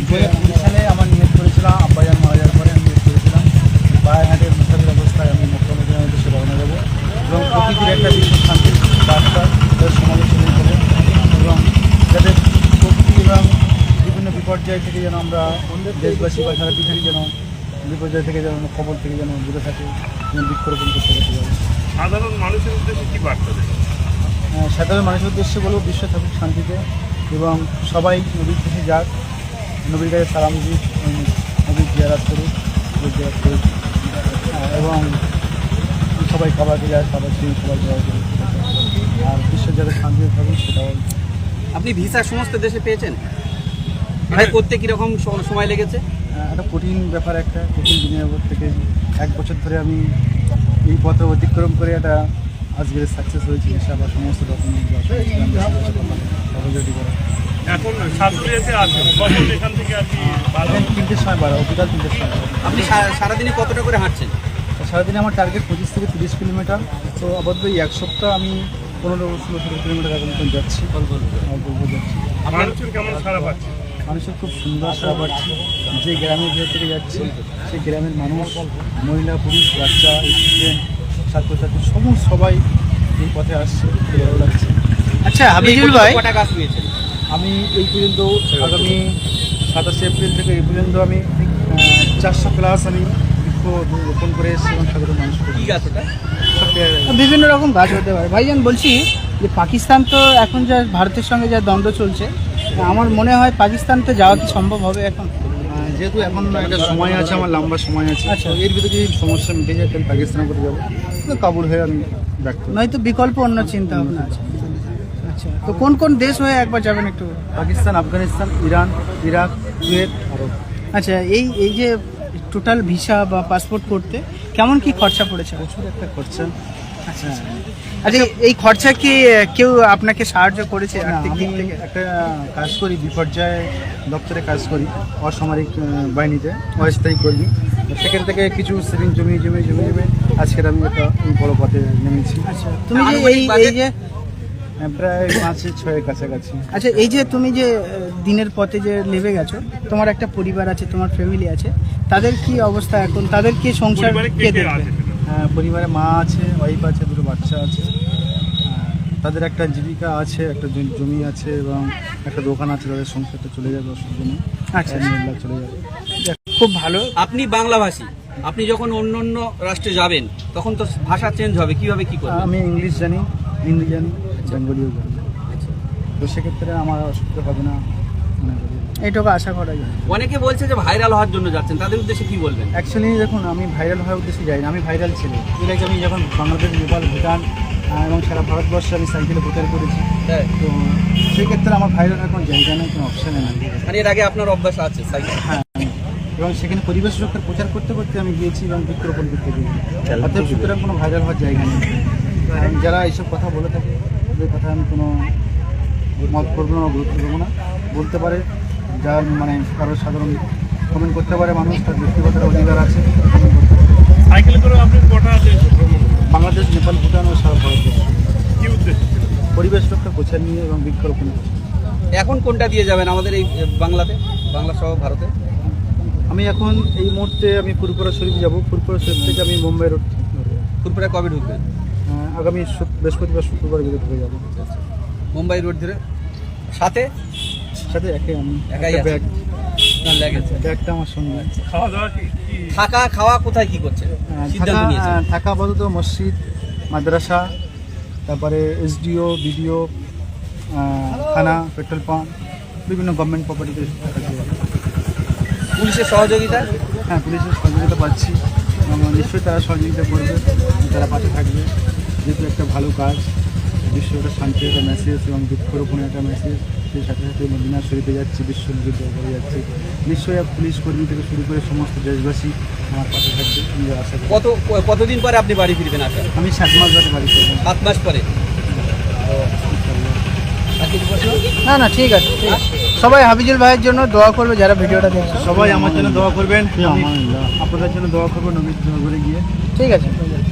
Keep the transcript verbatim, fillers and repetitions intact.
দু হাজার কুড়ি সালে আমার নিয়োগ করেছিলাম, আব্বাজান মারা যাওয়ার পরে আমি নিয়োগ করেছিলাম বায়াঘাটের মুসাফির অবস্থায় আমি মুখ্যমন্ত্রীর উদ্দেশ্যে রওনা দেবো এবং প্রকৃতির একটা বিশ্ব শান্তির বার্তা তাদের সমালোচনা করে এবং যাদের প্রকৃতি এবং বিভিন্ন বিপর্যয় থেকে যেন আমরা দেশবাসী বা সারা পৃথিবী যেন বিপর্যয় থেকে যেন খবর থেকে যেন দূরে থাকে এবং বৃক্ষরোপণ করতে পারতে পারে। সাধারণ মানুষের উদ্দেশ্যে কী বার্তা দেবে? সাধারণ মানুষের উদ্দেশ্যে বলবো বিশ্ব থাকুক শান্তিতে এবং সবাই নবীর কাছে যাক, নবীর কাছে সালাম দিক, নবীর জিয়ারাত করুক, জিয়ারাত করুক এবং সবাই খাবারকে যায়, খাবার খেয়ে সবাই জয় করুক আর বিশ্ব যাতে শান্তিতে থাকুক সেটাও। আপনি ভিসা সমস্ত দেশে পেয়েছেন? এটা করতে কীরকম সময় লেগেছে? একটা কঠিন ব্যাপার, একটা কঠিন দিনের উপর থেকে এক বছর ধরে আমি এই পথ অতিক্রম করে একটা আজকে সাকসেস হয়েছি। আবার সমস্ত ডকুমেন্ট করা এখন সাতপুরিয়াতে আছেন, কখন এখান থেকে আর কি? তিনটের সময় বাড়া, বিকাল তিনটের সময়। আপনি সারাদিনে কতটা করে হাঁটছেন? সারাদিনে আমার টার্গেট পঁচিশ থেকে তিরিশ কিলোমিটার। তো আপাতত এই এক সপ্তাহ আমি পনেরো ষোলো ষোলো কিলোমিটার এখন যাচ্ছি অল্প অল্প যাচ্ছি। মানুষের কেমন সারা পাচ্ছে? মানুষের খুব সুন্দর সারা পাচ্ছি। যে গ্রামের ভিতর থেকে যাচ্ছি সেই গ্রামের মানুষ, মহিলা পুরুষ বাচ্চা স্টুডেন্ট ছাত্রছাত্রী সমস্ত সবাই এই পথে আসছে, ভালো লাগছে। আচ্ছা হাবিজুল ভাই, কটা গাছ পেয়েছেন? আমি এই পর্যন্ত আগামী সাতাশে এপ্রিল থেকে এই পর্যন্ত আমি চারশো প্লাস আমি বৃক্ষ রোপণ করে এসেছি এবং সাধারণ মানুষ বিভিন্ন রকম গাছ হতে পারে। ভাইজান বলছি যে পাকিস্তান তো এখন যা ভারতের সঙ্গে যা দ্বন্দ্ব চলছে, আমার মনে হয় পাকিস্তানতে যাওয়া কি সম্ভব হবে এখন? যেহেতু এখন একটা সময় আছে, আমার লম্বা সময় আছে। আচ্ছা, এর ভিতরে যদি সমস্যা মিটে যায় তাহলে পাকিস্তানে করে যাবো, কাবুল হয়ে আমি ব্যক্ত নয়তো বিকল্প অন্য চিন্তা ভাবনা আছে। আচ্ছা, তো কোন কোন দেশ হয়ে একবার যাবেন একটু? Pakistan, Afghanistan, Iran, Iraq, Kuwait, আরব। আচ্ছা, এই এই যে টোটাল ভিসা বা পাসপোর্ট করতে কেমন কি খরচা পড়েছে? প্রচুর একটা খরচা। আচ্ছা আচ্ছা, এই খরচা কি কেউ আপনাকে সাহায্য করেছে? আমি একটা কাজ করি, বিপর্যয় দপ্তরে কাজ করি, অসামরিক বাহিনীতে অস্থায়ী কর্মী। সেখান থেকে কিছু সেভিং জমি জমি জমি জমে আজকের আমি একটা বড় পথে নেমেছি। আচ্ছা, তুমি যে এই এই যে প্রায় পাঁচে ছয়ের কাছাকাছি। আচ্ছা, এই যে তুমি যে দিনের পথে যে নেমে গেছো, তোমার একটা পরিবার আছে, তোমার ফ্যামিলি আছে, তাদের কি অবস্থা এখন? তাদের কি সংসার কে দেখবে? হ্যাঁ, পরিবারে মা আছে, ওয়াইফ আছে, দুটো বাচ্চা আছে, তাদের একটা জীবিকা আছে, একটা জমি আছে এবং একটা দোকান আছে, তাদের সংসারটা চলে যাবে অসুবিধা নেই। আচ্ছা, চলে যাবে, খুব ভালো। আপনি বাংলাভাষী, আপনি যখন অন্য অন্য রাষ্ট্রে যাবেন তখন তো ভাষা চেঞ্জ হবে, কিভাবে কি করবেন? আমি ইংলিশ জানি, হিন্দি জানি, বেঙ্গলিও জানি, তো সেক্ষেত্রে আমার অসুবিধা হবে না মনে করি, এইটুকু আশা করা যায়। অনেকে বলছে যে ভাইরাল হওয়ার জন্য যাচ্ছেন, তাদের উদ্দেশ্যে কি বলবেন? অ্যাকচুয়ালি দেখুন, আমি ভাইরাল হওয়ার উদ্দেশ্যে যাই না, আমি ভাইরাল ছিল। এর আগে আমি যখন বাংলাদেশ, নেপাল, ভুটান এবং সারা ভারতবর্ষে আমি সাইকেলে প্রচার করেছি, তো সেই ক্ষেত্রে আমার ভাইরাল হওয়ার কোনো জায়গা নেই, কোনো অপশানে নেই। মানে এর আগে আপনার অভ্যাস আছে সাইকেল? হ্যাঁ, এবং সেখানে পরিবেশ রক্ষার প্রচার করতে করতে আমি গিয়েছি এবং বৃক্ষরোপণ করতে গিয়েছি। অর্থাৎ সুতরাং কোনো ভাইরাল হওয়ার জায়গা নেই। যারা এইসব কথা বলে থাকে ওদের কথা আমি কোনো মত করবো না, গুরুত্ব দেবো না। বলতে পারে, যার মানে কারো সাধারণ কমেন্ট করতে পারে, মানুষ তার ব্যক্তিগত অধিকার আছে। সাইকেল করে আপনি কটা দেশ ভ্রমণ করেন? বাংলাদেশ, নেপাল, ভুটান ও সারা ভারতবর্ষ। কী উদ্দেশ্য? পরিবেশ রক্ষা প্রচার নিয়ে এবং বৃক্ষরোপণ। এখন কোনটা দিয়ে যাবেন আমাদের এই বাংলাতে, বাংলা সহ ভারতে? আমি এখন এই মুহূর্তে আমি ফুরপুরা শরীফ যাবো। ফুরপুরা শরীফ থেকে আমি মুম্বাই রোড, ফুরপুরা কবে ঢুকবেন? আগামী বৃহস্পতিবার শুক্রবার ভিতরে ঢুকে যাবো। মুম্বাই রোড ধরে সাথে সাথে একে আমি একাই ব্যাগ লেগেছে, ব্যাগটা আমার সঙ্গে। খাওয়া দাওয়া কি? থাকা খাওয়া কোথায় কি করছে? সিদ্ধান্ত নিয়েছেন? থাকা আপাতত মসজিদ, মাদ্রাসা, তারপরে এসডিও, বিডিও, থানা, পেট্রোল পাম্প, বিভিন্ন গভর্নমেন্ট প্রপার্টিতে থাকা। পুলিশের সহযোগিতা? হ্যাঁ, পুলিশের সহযোগিতা পাচ্ছি এবং নিশ্চয়ই তারা সহযোগিতা করবে, তারা পাশে থাকবে। যেহেতু একটা ভালো কাজ, বিশ্ব একটা শান্তির একটা মেসেজ এবং বৃক্ষরোপণের একটা মেসেজ, সেই সাথে সাথে মদিনা শরীফে যাচ্ছি, বিশ্ব নদীর দরবারে যাচ্ছি। নিশ্চয়ই পুলিশ কর্মী থেকে শুরু করে সমস্ত দেশবাসী আমার পাশে থাকবে, আশা করি। কত কতদিন পরে আপনি বাড়ি ফিরবেন? আসা আমি সাত মাস ধরে বাড়ি করবো। সাত মাস পরে? না না, ঠিক আছে, ঠিক আছে। সবাই হাবিজুল ভাইয়ের জন্য দোয়া করবে, যারা ভিডিওটা দেখছে সবাই আমার জন্য দোয়া করবেন, আপনাদের জন্য দোয়া করবো নবীর ঘরে গিয়ে। ঠিক আছে।